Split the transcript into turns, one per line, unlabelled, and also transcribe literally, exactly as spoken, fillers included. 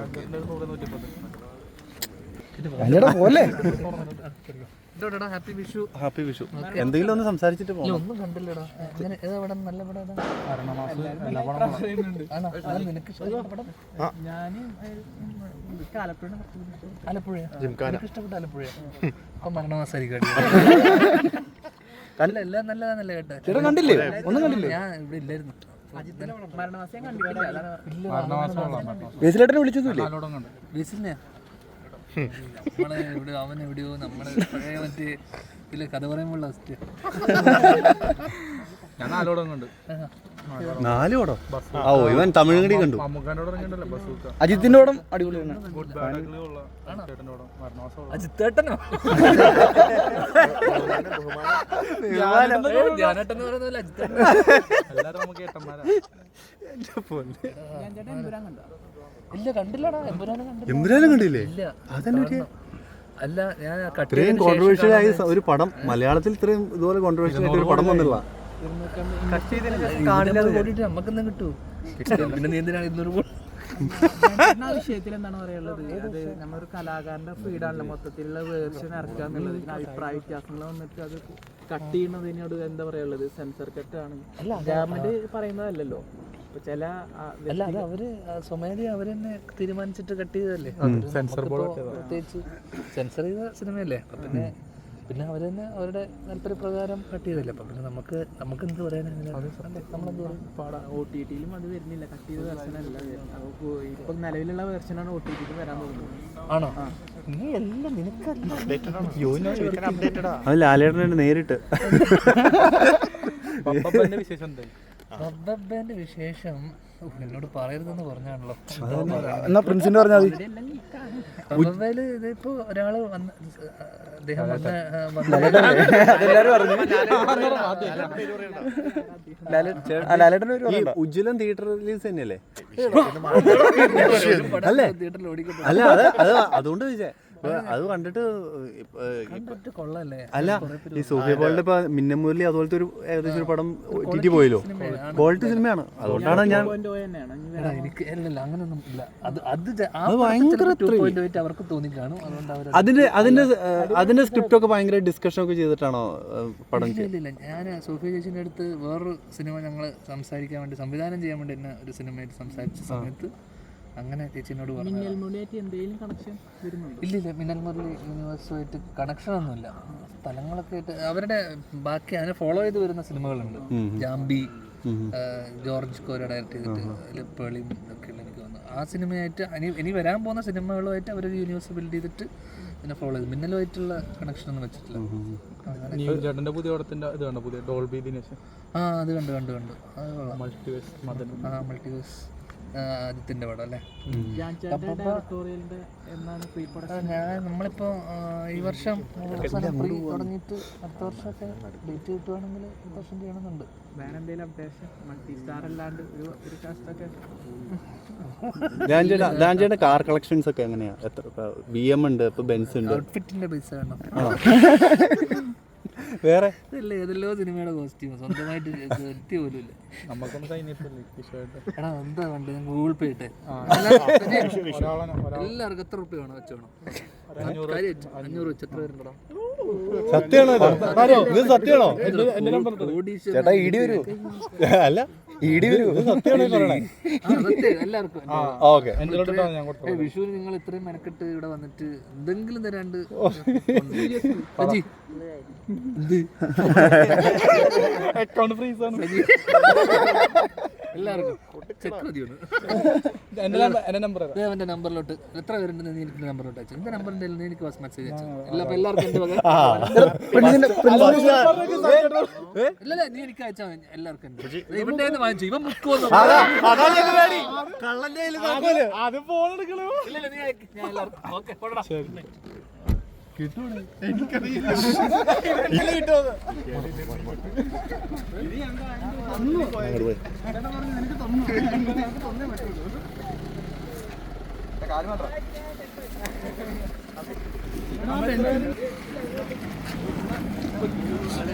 പോലെ
happy Vishu.
Happy Vishu. എന്തെങ്കിലും ഒന്ന് സംസാരിച്ചിട്ട് പോകാം.
ഒന്നും കണ്ടില്ലടാ. നല്ല പടം. ആലപ്പുഴ ഇഷ്ടപ്പെട്ട ആലപ്പുഴ. അപ്പൊ മരണമാസായിരിക്കും. എല്ലാം നല്ലതാന്നല്ലേ കേട്ടെ.
ചേട്ടൻ കണ്ടില്ലേ? ഒന്നും കണ്ടില്ലേ?
ഞാൻ ഇവിടെ ഇല്ലായിരുന്നു.
ബേസിലേട്ടനെ വിളിച്ചൊന്നുമില്ലേ?
ബേസിലിനെ നമ്മളെ എവിടെ അവൻ എവിടെയോ നമ്മളെ പഴയ മറ്റേ ഇതിലെ കഥ പറയുമ്പോഴുള്ള അവസ്ഥ.
ഞാൻ നാലോടം കണ്ട്.
നാലോടോ? ഓ ഇവൻ തമിഴ് കടി കണ്ടു. അജിത്തിന്റെ പടം അടിപൊളിയാണ്.
അജിത്തേട്ടനോ? ധ്യാനേട്ടൻ പറയുന്നില്ല, അജിത്തേട്ടൻ.
എല്ലാരും നമുക്ക് ഏട്ടന്മാരാ.
ഇല്ല കണ്ടില്ലടാ. എമ്പുരാനും കണ്ടില്ല.
എമ്പുരാനും കണ്ടില്ലേ?
ഇല്ല.
അതന്നെ
അല്ല ഞാൻ
ഇത്രയും കോൺട്രവേഴ്ഷ്യൽ ആയ ഒരു പടം മലയാളത്തിൽ ഇത്രയും ഇതുപോലെ കോൺട്രവേഴ്ഷ്യൽ ആയിട്ട് ഒരു പടം വന്നില്ല.
നമുക്കെന്താ കിട്ടൂ? പിന്നെ നീ എന്തിനാണ് ഇരുന്നൂറ്
വിഷയത്തിൽ എന്താണ് പറയാനുള്ളത്? അത് നമ്മളൊരു കലാകാരന്റെ ഫ്രീഡാണല്ലോ മൊത്തത്തിലുള്ള വേർഷൻ ഇറക്കുക എന്നുള്ളത്. അഭിപ്രായ വ്യത്യാസങ്ങൾ വന്നിട്ട് അത് കട്ട് ചെയ്യുന്നതിനോട് എന്താ പറയാനുള്ളത്? സെൻസർ കട്ട് ആണ് ഗവൺമെന്റ് പറയുന്നതല്ലല്ലോ. ചില
അല്ല അത് അവര് സ്വമേധയാ അവര് തന്നെ തീരുമാനിച്ചിട്ട് കട്ട് ചെയ്തതല്ലേ. പ്രത്യേകിച്ച് സെൻസർ ചെയ്ത സിനിമയല്ലേ. അപ്പൊ പിന്നെ പിന്നെ അവർ തന്നെ അവരുടെ താല്പര്യപ്രകാരം കട്ട് ചെയ്തല്ലേ. അപ്പം പിന്നെ നമുക്ക് നമുക്ക് എന്ത് പറയാനാണ്? നമ്മളെന്ത് പറയും?
ഒ ടി ടിയിലും അത് വരുന്നില്ല, കട്ട് ചെയ്ത വെർഷനല്ല. ഇപ്പൊ നിലവിലുള്ള വെർഷനാണ് ഒ ടി ടിയിൽ വരാൻ പോകുന്നത്.
ആണോ? നീ എല്ലാം നിനക്കല്ല.
അത് ലാലേട്ടനെ നേരിട്ട്
വിശേഷം എന്തായി?
ബബ്ബന്റെ വിശേഷം എന്നോട് പറയരുതെന്ന് പറഞ്ഞാണല്ലോ.
എന്നാ പ്രിൻസിന്റെ പറഞ്ഞാൽ മതി.
ബബ്ബയില് ഇതിപ്പോ ഒരാള് വന്ന് അദ്ദേഹം വന്ന്
ഉജ്ജ്വലൻ തിയേറ്റർ റിലീസ് തന്നെയല്ലേ? അല്ലേ? അല്ല അത് അത് അതുകൊണ്ട് ചോദിച്ചേ. അത് കണ്ടിട്ട്
കൊള്ളല്ലേ?
അല്ല ഈ സൂഫിയ പോളിന്റെ ഇപ്പൊ മിന്നമുരളി അതുപോലത്തെ ഒരു ഏകദേശം ഒരു പടം ടി പോയല്ലോ. ക്വാളിറ്റി സിനിമയാണ്. അതുകൊണ്ടാണ് ഞാൻ
എനിക്ക് അല്ലല്ല അങ്ങനൊന്നും ഇല്ല. അത് അത്
ഭയങ്കര
അവർക്ക് തോന്നിക്കാണും. അതുകൊണ്ട് അവർ
അതിന്റെ അതിന്റെ അതിന്റെ സ്ക്രിപ്റ്റ് ഒക്കെ ഭയങ്കര ഡിസ്കഷൻ ഒക്കെ ചെയ്തിട്ടാണോ പടം?
ഇല്ല, ഞാൻ സോഫിയ ചേച്ചിന്റെ അടുത്ത് വേറൊരു സിനിമ ഞങ്ങൾ സംസാരിക്കാൻ വേണ്ടി സംവിധാനം ചെയ്യാൻ വേണ്ടി തന്നെ ഒരു സിനിമയായിട്ട് സംസാരിച്ച സമയത്ത് അങ്ങനെ ചേച്ചിനോട് പറഞ്ഞു. ഇല്ല ഇല്ല മിന്നൽ മുരളി യൂണിവേഴ്സുമായിട്ട് കണക്ഷൻ ഒന്നുമില്ല. സ്ഥലങ്ങളൊക്കെ ആയിട്ട് അവരുടെ ബാക്കി അതിനെ ഫോളോ ചെയ്ത് വരുന്ന സിനിമകളുണ്ട്. ജാംബി, ജോർജ് കോര ഡയറക്റ്റ് ചെയ്തിട്ട് പേളിയും ഒക്കെയുള്ള എനിക്ക് തോന്നുന്നു. ആ സിനിമയായിട്ട് ഇനി ഇനി വരാൻ പോകുന്ന സിനിമകളുമായിട്ട് അവരൊരു യൂണിവേഴ്സ് ബിൽഡ് ചെയ്തിട്ട് പിന്നെ ഫോളോ ചെയ്ത് മിന്നലുമായിട്ടുള്ള കണക്ഷൻ ഒന്നും വെച്ചിട്ടില്ല.
ചേട്ടന്റെ പുതിയ പടത്തിന്റെ ഇത് കണ്ടോ? പുതിയ ഡോൾബി ദിനേശ്.
ആ അത് കണ്ടു കണ്ടു കണ്ടു അത് കൊള്ളാം.
മൾട്ടിവേഴ്സ് മദൻ.
ആ മൾട്ടിവേഴ്സ് ആദിത്യന്റെ പടം അല്ലേ? ഞാൻ നമ്മളിപ്പോ ഈ വർഷം അവസാനം പ്രീ തുടങ്ങിയിട്ട് അടുത്ത വർഷമൊക്കെ ഡേറ്റ് കിട്ടുവാണെങ്കിൽ അടുത്ത വർഷം ചെയ്യണമെന്നുണ്ട്.
ലാൻജയുടെ കാർ കളക്ഷൻസ് ഒക്കെ എങ്ങനെയാ? എത്ര ബി എം ഉണ്ട്, ഇപ്പൊ ബെൻസ് ഉണ്ട്.
ഔട്ട്ഫിറ്റിന്റെ പൈസ വേണം.
വേറെ
ഇല്ല ഏതെല്ലോ സിനിമയുടെ കോസ്റ്റ്യൂം സ്വന്തമായിട്ട് എത്തി പോലും ഇല്ല.
നമുക്കൊന്ന് കഴിഞ്ഞിട്ടില്ല.
എടാ എന്താ വേണ്ടത്? ഞാൻ ഗൂഗിൾ പേ ഇട്ടെ. എല്ലാവർക്കും എത്ര റുപ്യ വേണം വെച്ചോണം? അഞ്ഞൂറ് വെച്ച് എത്ര പേരുണ്ടോ?
സത്യമാണോ ഇത്? സത്യമാണോ ചേട്ടാ? ഇടി വരൂ? അല്ല ഇടി വരൂ? സത്യമാണോ പറയണേ?
എല്ലാവർക്കും
ഓക്കെ.
വിഷുവിന് നിങ്ങൾ ഇത്രയും മെനക്കെട്ട് ഇവിടെ വന്നിട്ട് എന്തെങ്കിലും തരാണ്ട് എല്ലാവർക്കും എന്റെ നമ്പറിലോട്ട് എത്ര പേരുണ്ടെന്ന് നീ എനിക്ക് നമ്പറിലോട്ട് അയച്ചു. എന്റെ നമ്പറിന്റെ എനിക്ക് മെസ്സേജ് അയച്ചു. എല്ലാവർക്കും ഇല്ലല്ല നീ എനിക്ക് അയച്ചാൽ എല്ലാവർക്കും ഇവന്റെ വാങ്ങിച്ചു. ഇവൻ മുക്കുവന്നു. ഇല്ലല്ല നീ ഞാൻ എല്ലാവർക്കും ഓക്കെ
കിട്ടൂടെ?
കാര്യം